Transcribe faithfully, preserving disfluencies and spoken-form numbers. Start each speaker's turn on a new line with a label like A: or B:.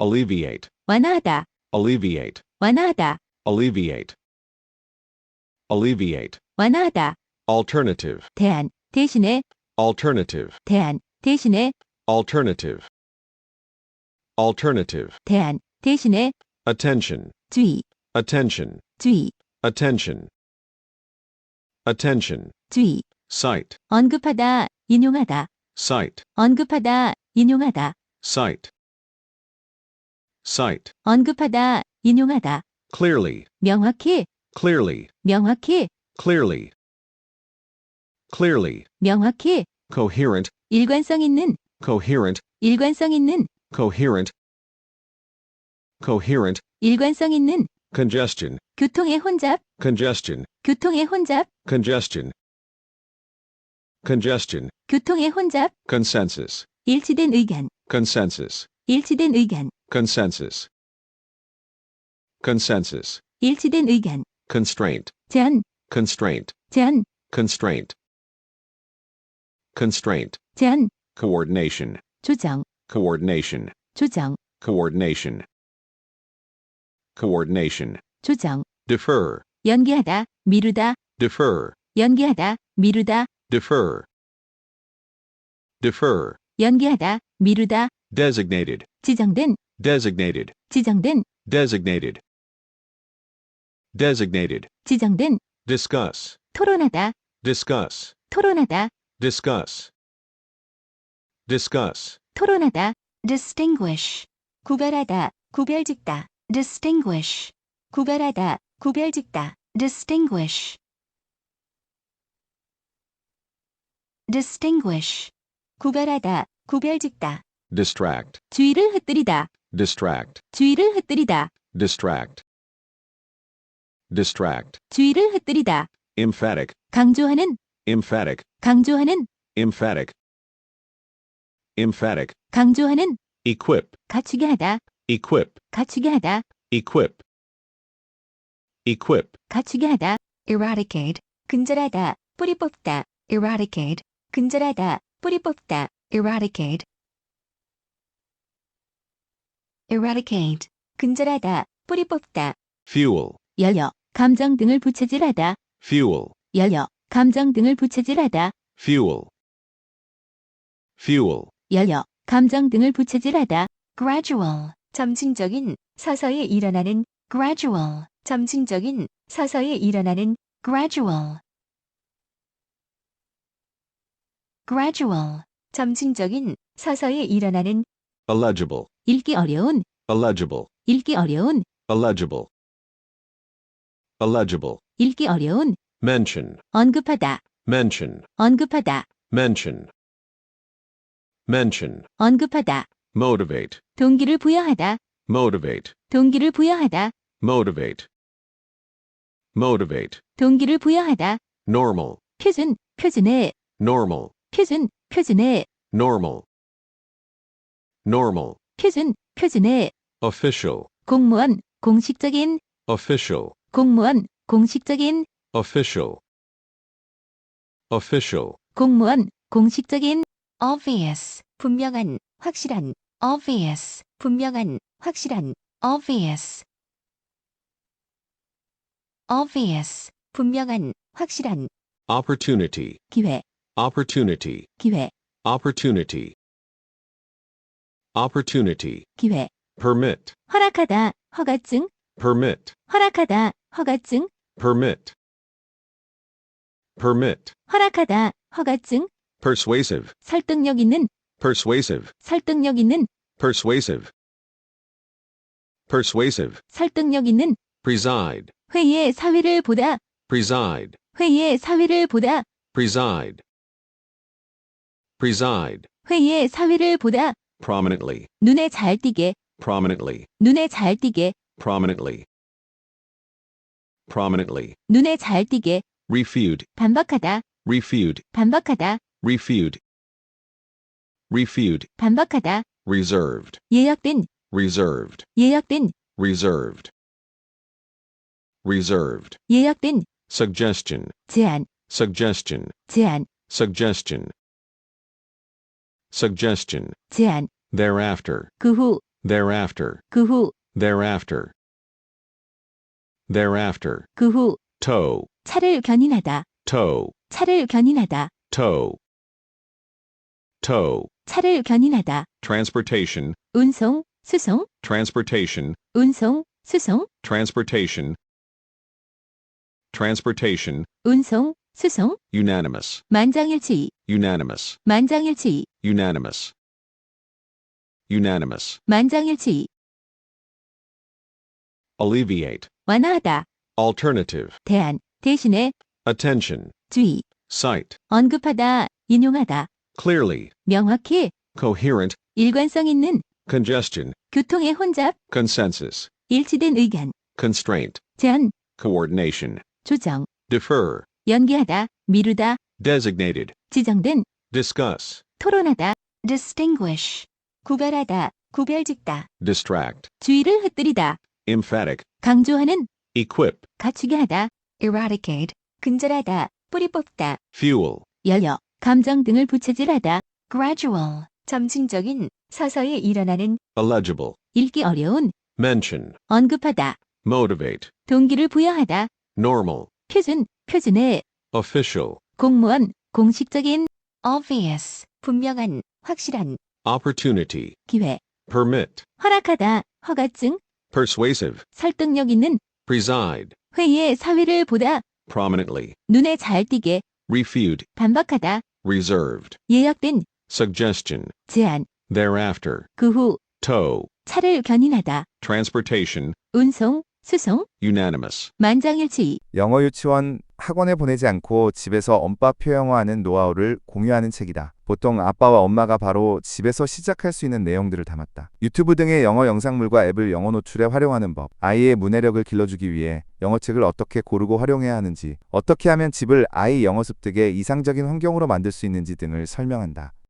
A: alleviate,
B: 완화하다,
A: alleviate,
B: 완화하다,
A: alleviate, alleviate,
B: 완화하다,
A: alternative,
B: 대안, 대신에,
A: alternative,
B: 대안, 대신에,
A: alternative, alternative,
B: 대안, 대신에,
A: attention,
B: 주의,
A: attention,
B: 주의,
A: attention, attention,
B: 주의,
A: cite,
B: 언급하다, 인용하다,
A: cite,
B: 언급하다, 인용하다,
A: cite, cite,
B: 언급하다, 인용하다,
A: clearly,
B: 명확히,
A: clearly,
B: 명확히,
A: clearly, clearly,
B: 명확히,
A: coherent,
B: 일관성 있는,
A: coherent,
B: 일관성 있는,
A: coherent, coherent,
B: 일관성 있는,
A: congestion,
B: 교통의 혼잡,
A: congestion,
B: 교통의 혼잡,
A: congestion, congestion,
B: 교통의 혼잡,
A: consensus,
B: 일치된 의견,
A: consensus,
B: 일치된 의견,
A: consensus, consensus,
B: 일치된 의견,
A: constraint,
B: 제한,
A: constraint,
B: 제한,
A: constraint, constraint,
B: 제한,
A: coordination,
B: 조정,
A: coordination,
B: 조정,
A: coordination, coordination,
B: 조정,
A: defer,
B: 연기하다, 미루다,
A: defer,
B: 연기하다, 미루다,
A: defer, defer,
B: 연기하다, 미루다,
A: designated,
B: 지정된,
A: designated,
B: 지정된,
A: designated, designated,
B: 지정된,
A: discuss,
B: 토론하다,
A: discuss,
B: 토론하다,
A: discuss, discuss,
B: 토론하다, distinguish, 구별하다, 구별짓다, distinguish, 구별하다, 구별짓다, distinguish, distinguish, 구별하다, 구별짓다,
A: distract,
B: 주의를 흩뜨리다,
A: distract,
B: 주의를 흩뜨리다,
A: distract, distract,
B: 주의를 흩뜨리다,
A: emphatic,
B: 강조하는,
A: emphatic,
B: 강조하는,
A: emphatic, emphatic,
B: 강조하는,
A: equip,
B: 갖추게 하다,
A: equip,
B: 갖추게 하다,
A: equip, equip,
B: 갖추게 하다, eradicate, 근절하다, 뿌리 뽑다, eradicate, 근절하다, 뿌리 뽑다, eradicate, eradicate, 근절하다, 뿌리 뽑다,
A: fuel,
B: 열려, 감정 등을 부채질하다,
A: fuel,
B: 열려, 감정 등을 부채질하다,
A: fuel, fuel,
B: 열려, 감정 등을 부채질하다, gradual, 점진적인, 서서히 일어나는, gradual, 점진적인, 서서히 일어나는, gradual, gradual, 점진적인, 서서히 일어나는,
A: illegible,
B: 읽기 어려운,
A: illegible,
B: 읽기 어려운,
A: illegible, illegible,
B: 읽기 어려운,
A: mention,
B: 언급하다,
A: mention,
B: 언급하다,
A: mention, mention,
B: 언급하다,
A: motivate,
B: 동기를 부여하다,
A: motivate,
B: 동기를 부여하다,
A: motivate, motivate,
B: 동기를 부여하다,
A: normal,
B: 표준, 표준의,
A: normal,
B: 표준, 표준의,
A: normal, normal,
B: 표준, 표준의,
A: official,
B: 공무원, 공식적인,
A: official,
B: 공무원, 공식적인,
A: official, official,
B: 공무원, 공식적인, obvious, 분명한, 확실한, obvious, 분명한, 확실한, obvious, obvious, 분명한, 확실한,
A: opportunity,
B: 기회,
A: opportunity,
B: 기회,
A: opportunity, opportunity,
B: 기회,
A: permit,
B: 허락하다, 허가증,
A: permit,
B: 허락하다, 허가증,
A: permit, permit,
B: 허락하다, 허가증,
A: persuasive,
B: 설득력 있는,
A: persuasive,
B: 설득력 있는,
A: persuasive, persuasive,
B: 설득력 있는,
A: preside,
B: 회의의 사회를 보다,
A: preside,
B: 회의의 사회를 보다,
A: preside, preside,
B: 회의의 사회를 보다,
A: prominently,
B: 눈에 잘 띄게,
A: prominently,
B: 눈에 잘 띄게,
A: prominently, prominently,
B: 눈에 잘 띄게,
A: refute,
B: 반박하다,
A: refute,
B: 반박하다,
A: refute, refute,
B: 반박하다,
A: reserved,
B: 예약된,
A: reserved,
B: 예약된,
A: reserved, reserved,
B: 예약된,
A: suggestion,
B: 제안,
A: suggestion,
B: 제안,
A: suggestion, suggestion,
B: 제안,
A: thereafter,
B: 그 후,
A: thereafter,
B: 그 후,
A: thereafter, thereafter,
B: 그 후,
A: tow,
B: 차를 견인하다,
A: tow,
B: 차를 견인하다,
A: tow, tow,
B: 차를 견인하다,
A: transportation,
B: 운송, 수송,
A: transportation,
B: 운송, 수송,
A: transportation, transportation,
B: 운송, 수송,
A: unanimous,
B: 만장일치,
A: unanimous,
B: 만장일치,
A: unanimous, unanimous,
B: 만장일치,
A: alleviate,
B: 완화하다,
A: alternative,
B: 대안, 대신에,
A: attention,
B: 주의,
A: cite,
B: 언급하다, 인용하다,
A: clearly,
B: 명확히,
A: coherent,
B: 일관성 있는,
A: congestion,
B: 교통의 혼잡,
A: consensus,
B: 일치된 의견,
A: constraint,
B: 제한,
A: coordination,
B: 조정,
A: defer,
B: 연기하다, 미루다,
A: designated,
B: 지정된,
A: discuss,
B: 토론하다, distinguish, 구별하다, 구별짓다,
A: distract,
B: 주의를 흩뜨리다,
A: emphatic,
B: 강조하는,
A: equip,
B: 갖추게 하다, eradicate, 근절하다, 뿌리 뽑다,
A: fuel,
B: 연료, 감정 등을 부채질하다, gradual, 점진적인, 서서히 일어나는,
A: illegible,
B: 읽기 어려운,
A: mention,
B: 언급하다,
A: motivate,
B: 동기를 부여하다,
A: normal,
B: 표준, 표준의,
A: official,
B: 공무원, 공식적인, obvious, 분명한, 확실한,
A: opportunity,
B: 기회,
A: permit,
B: 허락하다, 허가증,
A: persuasive,
B: 설득력 있는,
A: preside,
B: 회의의 사회를 보다,
A: prominently,
B: 눈에 잘 띄게,
A: refute,
B: 반박하다,
A: reserved,
B: 예약된,
A: suggestion,
B: 제안,
A: thereafter,
B: 그 후,
A: tow,
B: 차를 견인하다,
A: transportation,
B: 운송, 수송,
A: unanimous,
B: 만장일치,
C: 영어 유치원 학원에 보내지 않고 집에서 언어 표현화하는 노하우를 공유하는 책이다. 보통 아빠와 엄마가 바로 집에서 시작할 수 있는 내용들을 담았다. 유튜브 등의 영어 영상물과 앱을 영어 노출에 활용하는 법, 아이의 문해력을 길러주기 위해 영어책을 어떻게 고르고 활용해야 하는지, 어떻게 하면 집을 아이 영어 습득의 이상적인 환경으로 만들 수 있는지 등을 설명한다.